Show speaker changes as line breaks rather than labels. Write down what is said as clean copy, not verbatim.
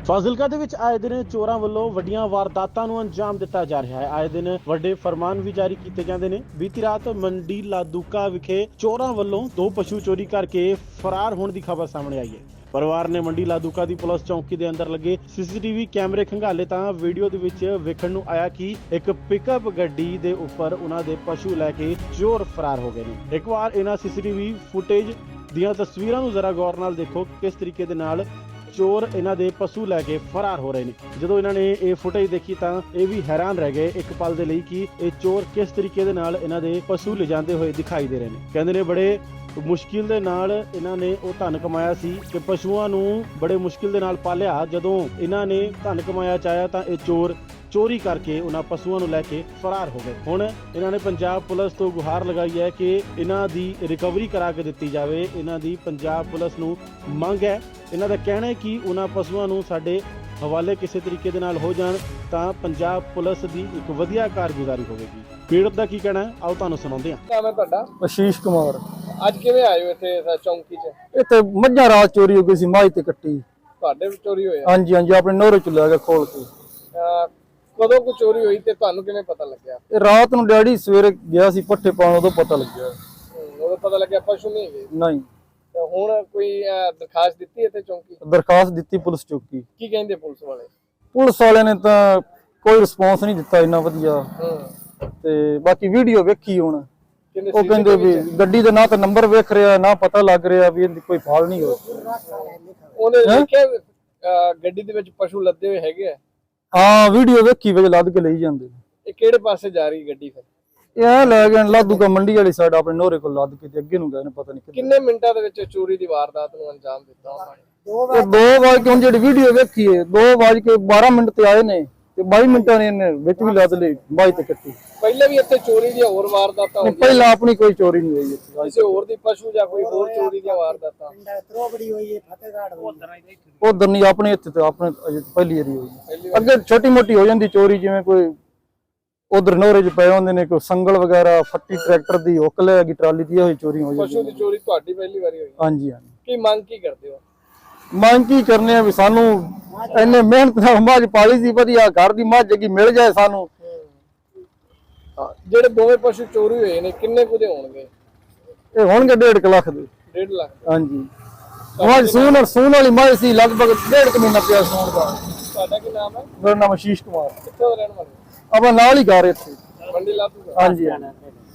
ਫਾਜ਼ਿਲਕਾ ਦੇ ਵਿੱਚ ਆਏ ਦਿਨ ਚੋਰਾਂ ਵੱਲੋਂ ਵੱਡੀਆਂ ਵਾਰਦਾਤਾਂ ਨੂੰ ਅੰਜਾਮ ਦਿੱਤਾ ਜਾ ਰਿਹਾ ਹੈ। ਆਏ ਦਿਨ ਵੱਡੇ ਫਰਮਾਨ ਵੀ ਜਾਰੀ ਕੀਤੇ ਜਾਂਦੇ ਨੇ। ਬੀਤੀ ਰਾਤ ਮੰਡੀ ਲਾਦੂਕਾ ਵਿਖੇ ਚੋਰਾਂ ਵੱਲੋਂ 2 ਪਸ਼ੂ ਚੋਰੀ ਕਰਕੇ ਫਰਾਰ ਹੋਣ ਦੀ ਖਬਰ ਸਾਹਮਣੇ ਆਈ ਹੈ। ਪਰਿਵਾਰ ਨੇ ਮੰਡੀ ਲਾਦੂਕਾ ਦੀ ਪੁਲਿਸ ਚੌਂਕੀ ਦੇ ਅੰਦਰ ਲੱਗੇ ਸੀਸੀਟੀਵੀ ਕੈਮਰੇ ਖੰਗਾਲੇ ਤਾਂ ਵੀਡੀਓ ਦੇ ਵਿੱਚ ਵੇਖਣ ਨੂੰ ਆਇਆ ਕਿ ਇੱਕ ਪਿਕਅਪ ਗੱਡੀ ਦੇ ਉੱਪਰ ਉਹਨਾਂ ਦੇ ਪਸ਼ੂ ਲੈ ਕੇ ਚੋਰ ਫਰਾਰ ਹੋ ਗਏ ਨੇ। ਇੱਕ ਵਾਰ ਇਹਨਾਂ ਸੀਸੀਟੀਵੀ ਫੁਟੇਜ ਦੀਆਂ ਤਸਵੀਰਾਂ ਨੂੰ ਜ਼ਰਾ ਗੌਰ ਨਾਲ ਦੇਖੋ, ਕਿਸ ਤਰੀਕੇ ਦੇ ਨਾਲ ਚੋਰ ਇਹਨਾਂ ਦੇ ਪਸ਼ੂ ਲੈ ਕੇ ਫਰਾਰ ਹੋ ਰਹੇ ਨੇ। ਜਦੋਂ ਇਹਨਾਂ ਨੇ ਇਹ ਫੁਟੇਜ ਦੇਖੀ ਤਾਂ ਇਹ ਵੀ ਹੈਰਾਨ ਰਹਿ ਗਏ ਇੱਕ ਪਲ ਦੇ ਲਈ ਕਿ ਇਹ ਚੋਰ ਕਿਸ ਤਰੀਕੇ ਦੇ ਨਾਲ ਇਹਨਾਂ ਦੇ ਪਸ਼ੂ ਲਿਜਾਂਦੇ ਹੋਏ ਦਿਖਾਈ ਦੇ ਰਹੇ ਨੇ। ਕਹਿੰਦੇ ਨੇ ਬੜੇ ਮੁਸ਼ਕਿਲ ਦੇ ਨਾਲ ਇਹਨਾਂ ਨੇ ਉਹ ਧਨ ਕਮਾਇਆ ਸੀ ਕਿ ਪਸ਼ੂਆਂ ਨੂੰ ਬੜੇ ਮੁਸ਼ਕਿਲ ਦੇ ਨਾਲ ਪਾਲਿਆ। ਜਦੋਂ ਇਹਨਾਂ ਨੇ ਧਨ ਕਮਾਇਆ ਚਾਹਿਆ ਤਾਂ ਇਹ ਚੋਰ ਚੋਰੀ ਕਰਕੇ ਉਹਨਾਂ ਪਸ਼ੂਆਂ ਨੂੰ ਲੈ ਕੇ ਫਰਾਰ ਹੋ ਗਏ। ਹੁਣ ਇਹਨਾਂ ਨੇ ਪੰਜਾਬ ਪੁਲਿਸ ਤੋਂ ਗੁਹਾਰ ਲਗਾਈ ਹੈ ਕਿ ਇਹਨਾਂ ਦੀ ਰਿਕਵਰੀ ਕਰਾ ਕੇ ਦਿੱਤੀ ਜਾਵੇ। ਇਹਨਾਂ ਦੀ ਪੰਜਾਬ ਪੁਲਿਸ ਨੂੰ ਮੰਗ ਹੈ। ਇਹਨਾਂ ਦਾ ਕਹਿਣਾ ਹੈ ਕਿ ਉਹਨਾਂ ਪਸ਼ੂਆਂ ਨੂੰ ਸਾਡੇ ਹਵਾਲੇ ਕਿਸੇ ਤਰੀਕੇ ਦੇ ਨਾਲ ਹੋ ਜਾਣ ਤਾਂ ਪੰਜਾਬ ਪੁਲਿਸ ਦੀ ਇੱਕ ਵਧੀਆ ਕਾਰਗੁਜ਼ਾਰੀ ਹੋਵੇਗੀ। ਪੀੜਤ ਦਾ ਕੀ ਕਹਿਣਾ ਹੈ, ਆਓ ਤੁਹਾਨੂੰ ਸੁਣਾਉਂਦੇ ਹਾਂ।
ਨਾਮ ਹੈ ਤੁਹਾਡਾ?
ਆਸ਼ੀਸ਼ ਕੁਮਾਰ।
ਅੱਜ ਕਿਵੇਂ ਆਏ ਹੋ ਇੱਥੇ ਚੌਂਕੀ 'ਚ?
ਇੱਥੇ ਮੱਝਾਂ ਰਾਤ ਚੋਰੀ ਹੋ ਗਈ ਸੀ, ਮਾਝ ਤੇ ਕੱਟੀ।
ਤੁਹਾਡੇ ਵੀ ਚੋਰੀ ਹੋਇਆ?
ਹਾਂਜੀ ਹਾਂਜੀ, ਆਪਣੇ ਨੋਰੇ ਚ ਲੈ ਕੇ ਖੋਲ ਕੇ।
ਕਦੋਂ ਕੋ ਚੋਰੀ ਹੋਈ ਤੇ ਤੁਹਾਨੂੰ ਕਿਵੇਂ ਪਤਾ ਲੱਗਿਆ?
ਇਹ ਰਾਤ ਨੂੰ ਡੈਡੀ ਸਵੇਰੇ ਗਿਆ ਸੀ ਪੱਠੇ ਪਾਉਣ, ਉਦੋਂ ਪਤਾ ਲੱਗਿਆ।
ਉਦੋਂ ਪਤਾ ਲੱਗਿਆ ਪਸ਼ੂ ਨਹੀਂ ਹੈਗੇ?
ਨਹੀਂ।
ਤੇ ਹੁਣ ਕੋਈ ਦਰਖਾਸਤ ਦਿੱਤੀ ਇੱਥੇ ਚੌਂਕੀ?
ਦਰਖਾਸਤ ਦਿੱਤੀ ਪੁਲਿਸ ਚੌਕੀ।
ਕੀ ਕਹਿੰਦੇ ਪੁਲਿਸ ਵਾਲੇ?
ਪੁਲਿਸ ਵਾਲਿਆਂ ਨੇ ਤਾਂ ਕੋਈ ਰਿਸਪੌਂਸ ਨਹੀਂ ਦਿੱਤਾ ਇੰਨਾ ਵਧੀਆ। ਤੇ ਬਾਕੀ ਵੀਡੀਓ ਵੇਖੀ ਹੁਣ, ਉਹ ਕਹਿੰਦੇ ਵੀ ਗੱਡੀ ਦਾ ਨਾ ਤਾਂ ਨੰਬਰ ਵੇਖ ਰਿਹਾ, ਨਾ ਪਤਾ ਲੱਗ ਰਿਹਾ ਵੀ ਇਹਦੀ ਕੋਈ ਫਾਲ ਨਹੀਂ ਹੋ।
ਉਹਨੇ ਦੇਖਿਆ ਗੱਡੀ ਦੇ ਵਿੱਚ ਪਸ਼ੂ ਲੱਦੇ ਹੋਏ ਹੈਗੇ ਆ?
ਹਾਂ, ਵੀਡੀਓ ਵੇਖੀ ਵਿੱਚ ਲੱਦ ਕੇ ਲਈ ਜਾਂਦੇ।
ਇਹ ਕਿਹੜੇ ਪਾਸੇ ਜਾ ਰਹੀ ਗੱਡੀ ਫਿਰ?
ਇਹ ਲੈ ਗਏ ਲਾਦੂਕਾ ਮੰਡੀ ਵਾਲੀ ਸਾਈਡ, ਆਪਣੇ ਨੋਰੇ ਕੋਲ ਲੱਦ ਕੇ ਤੇ ਅੱਗੇ ਨੂੰ ਗਏ ਨੇ, ਪਤਾ ਨਹੀਂ
ਕਿੰਨੇ ਮਿੰਟਾਂ ਦੇ ਵਿੱਚ ਚੋਰੀ ਦੀ ਵਾਰਦਾਤ ਨੂੰ ਅੰਜਾਮ ਦਿੱਤਾ ਉਹਨਾਂ ਨੇ?
2 ਵਜੇ ਕੇ ਹੁਣ ਜਿਹੜੀ ਵੀਡੀਓ ਵੇਖੀ ਹੈ 2:12 ਤੇ ਆਏ ਨੇ ਤੇ 22 ਮਿੰਟਾਂ ਨੇ ਇਹਨੇ ਵਿੱਚ ਵੀ ਲੱਦ ਲਈ, ਬਾਈ ਤੇ ਕੱਟੀ।
ਪਹਿਲੇ ਵੀ ਇੱਥੇ ਚੋਰੀ ਦੀਆਂ ਹੋਰ ਵਾਰਦਾਤਾਂ ਹੋਈਆਂ?
ਪਹਿਲਾਂ ਆਪਣੀ ਕੋਈ ਚੋਰੀ ਨਹੀਂ ਹੋਈ ਇੱਥੇ।
ਕਿਸੇ ਹੋਰ ਦੀ ਪਸ਼ੂ ਜਾਂ ਕੋਈ ਹੋਰ ਚੋਰੀ ਦੀਆਂ ਵਾਰਦਾਤਾਂ?
ਉਧਰ ਨਹੀਂ, ਆਪਣੇ ਇੱਥੇ ਤੇ ਆਪਣੇ ਅਜੇ ਪਹਿਲੀ ਵਾਰੀ ਹੋਈ। ਅੱਗੇ ਛੋਟੀ ਮੋਟੀ ਹੋ ਜਾਂਦੀ ਚੋਰੀ, ਜਿਵੇਂ ਕੋਈ ਉਧਰ ਨੋਰੇ ਚ ਪਏ ਹੁੰਦੇ ਨੇ, ਕੋਈ ਸੰਗਲ ਵਗੈਰਾ, ਫੱਟੀ ਟਰੈਕਟਰ ਦੀ ਹੁੱਕ ਲੈ ਗਈ, ਟਰਾਲੀ ਦੀ ਹੋਈ ਚੋਰੀ ਹੋ ਜਾਂਦੀ।
ਪਸ਼ੂ ਦੀ ਚੋਰੀ ਤੁਹਾਡੀ ਪਹਿਲੀ ਵਾਰੀ ਹੋਈ?
ਹਾਂਜੀ ਹਾਂਜੀ।
ਕੀ ਮੰਗ ਕੀ ਕਰਦੇ ਹੋ?
ਮੰਗ ਕੀ ਕਰਨੇ ਆ ਵੀ ਸਾਨੂੰ ਇੰਨੇ ਮਿਹਨਤ ਨਾਲ ਮੱਝ ਪਾਲੀ ਸੀ, ਵਧੀਆ ਘਰ ਦੀ ਮੱਝ ਕੀ ਮਿਲ ਜਾਏ ਸਾਨੂੰ।
ਜਿਹੜੇ ਦੋਵੇਂ ਪਸ਼ੂ ਚੋਰੀ ਹੋਏ ਨੇ ਕਿੰਨੇ ਕੁ ਦੇ ਹੋਣਗੇ?
ਇਹ ਹੋਣਗੇ 1.5 ਲੱਖ ਦੇ।
1.5 ਲੱਖ?
ਹਾਂਜੀ। ਮੱਝ ਸੂਣ ਵਾਲੀ ਮੱਝ ਸੀ, ਲਗਭਗ 1.5 ਮਹੀਨਾ ਪਿਆ ਸੂਣ ਦਾ।
ਤੁਹਾਡਾ ਕੀ ਨਾਮ ਹੈ?
ਮੇਰਾ ਨਾਮ ਆਸ਼ੀਸ਼ ਕੁਮਾਰ।
ਕਿੱਥੋਂ ਦਾ ਰਹਿਣ ਵਾਲੇ?
ਆਪਾਂ ਨਾਲ ਹੀ ਘਰ ਇੱਥੇ
ਮੰਡੀ ਲਾਦੂਕਾ?
ਹਾਂਜੀ।